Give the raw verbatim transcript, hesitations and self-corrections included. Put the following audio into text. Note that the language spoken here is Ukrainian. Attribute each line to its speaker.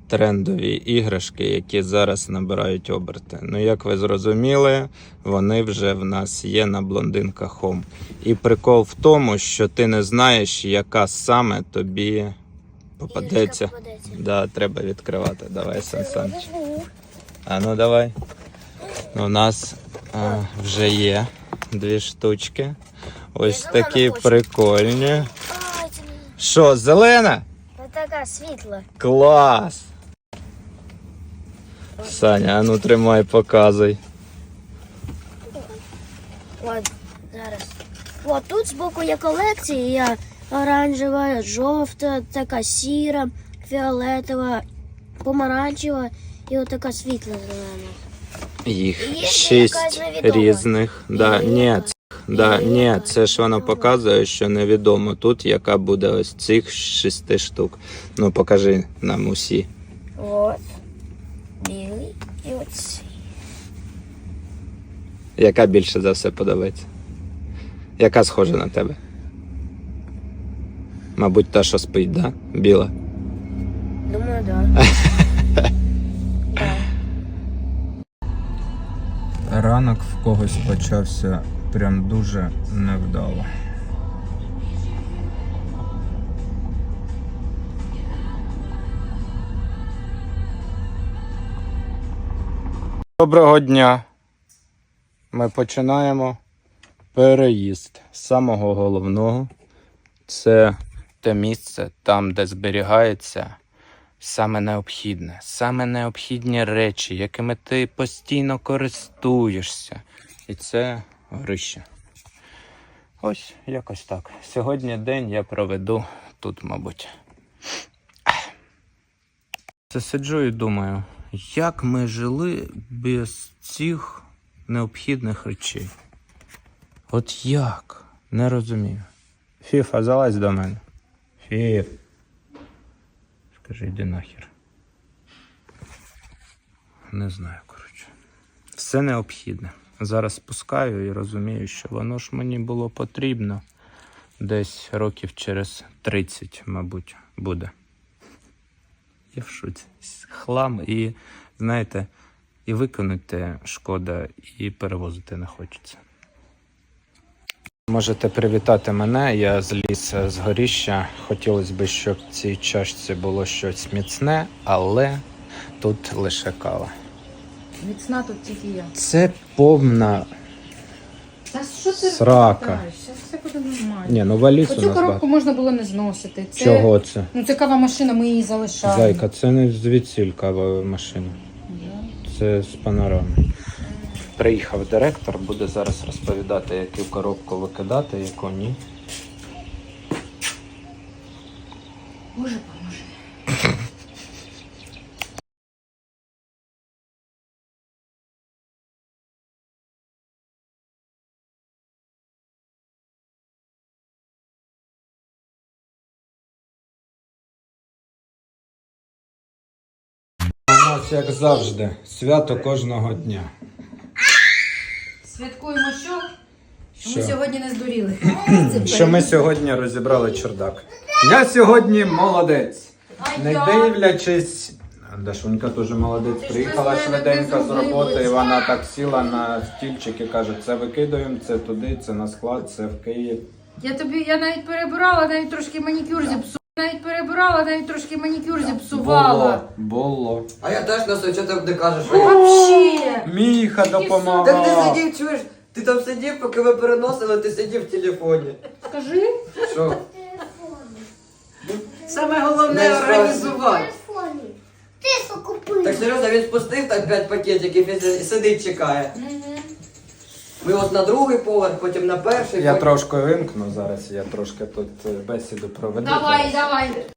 Speaker 1: трендові іграшки, які зараз набирають оберти. Ну, як ви зрозуміли, вони вже в нас є на Блондинка Home. І прикол в тому, що ти не знаєш, яка саме тобі попадеться. попадеться. Да, треба відкривати. Давай, Сан-Саныч. А ну давай. У нас а, вже є дві штучки. Ось такі прикольні. Що, зелена?
Speaker 2: Така світла.
Speaker 1: Клас! Саня, а ну тримай, показуй.
Speaker 2: От, зараз. От тут збоку є колекція. Оранжева, жовта, така сіра, фіолетова, помаранчева і от така світла зелена.
Speaker 1: Їх
Speaker 2: Є
Speaker 1: шість різних. Да, ні, це, да, ні, це ж воно показує, що невідомо тут, яка буде ось цих шести штук. Ну, покажи нам усі.
Speaker 2: От. Білий і оці.
Speaker 1: Яка більше за все подобається? Яка схожа на тебе? Мабуть, та, що спить, да? Біла.
Speaker 2: Думаю, да. Да.
Speaker 1: Ранок в когось почався прям дуже невдало. Доброго дня! Ми починаємо переїзд з самого головного. Це те місце, там, де зберігається саме необхідне, саме необхідні речі, якими ти постійно користуєшся. І це горище. Ось якось так. Сьогодні день я проведу тут, мабуть. Це сиджу і думаю, як ми жили без цих необхідних речей. От як? Не розумію. Фіфа, залазь до мене. Фіф. Скажи, йди нахер. Не знаю, коротше. Все необхідне. Зараз спускаю і розумію, що воно ж мені було потрібно. Десь років через тридцять, мабуть, буде. Я в шоці. Хлам і, знаєте, і викинути шкода, і перевозити не хочеться. Можете привітати мене, я зліз з горіща. Хотілося б, щоб в цій чашці було щось міцне, але тут лише кава.
Speaker 3: Міцна тут тільки я.
Speaker 1: Це повна
Speaker 3: Та що ти
Speaker 1: срака.
Speaker 3: розповідаєш? Зараз все буде нормально.
Speaker 1: Ні, ну валіз у
Speaker 3: Оцю
Speaker 1: нас
Speaker 3: коробку
Speaker 1: багато.
Speaker 3: можна було не зносити. Це...
Speaker 1: Чого це?
Speaker 3: Ну це кава машина, ми її залишаємо.
Speaker 1: Зайка, це не звідсіль кава машина.
Speaker 3: Да.
Speaker 1: Це з панорами. Приїхав директор, буде зараз розповідати, яку коробку викидати, яку ні.
Speaker 3: Боже, поможи.
Speaker 1: У нас, як завжди, свято кожного дня.
Speaker 3: Святкуємо що? Що,
Speaker 1: Що?
Speaker 3: ми сьогодні не здуріли.
Speaker 1: Що ми сьогодні розібрали чердак. Я сьогодні молодець.
Speaker 3: А
Speaker 1: Не
Speaker 3: я?
Speaker 1: дивлячись... Дашунька теж молодець.
Speaker 3: Ти ж
Speaker 1: Приїхала
Speaker 3: без мене
Speaker 1: швиденько
Speaker 3: без
Speaker 1: з роботи, і
Speaker 3: зубів.
Speaker 1: вона так сіла на стільчик і каже, це викидаємо, це туди, це на склад, це в Київ.
Speaker 3: Я тобі, я навіть перебирала, навіть трошки манікюр зіпсувала. Навіть перебирала, навіть трошки манікюр зіпсувала.
Speaker 1: Було, було.
Speaker 4: А я теж на що ти не кажеш?
Speaker 3: Вообще.
Speaker 1: Міха
Speaker 4: Так ти
Speaker 1: допомагав.
Speaker 4: сидів, чуєш? Ти там сидів, поки ви переносили, ти сидів в телефоні.
Speaker 3: Скажи.
Speaker 4: Що?
Speaker 3: Саме головне
Speaker 4: Не
Speaker 3: організувати.
Speaker 2: Ти купив.
Speaker 4: Так серйозно, він спустив так п'ять пакетиків і сидить, чекає. Ми от на другий поверх, потім на перший.
Speaker 1: Я
Speaker 4: потім...
Speaker 1: трошки вимкну зараз, я трошки тут е, бесіду проведу.
Speaker 3: Давай,
Speaker 1: зараз.
Speaker 3: давай.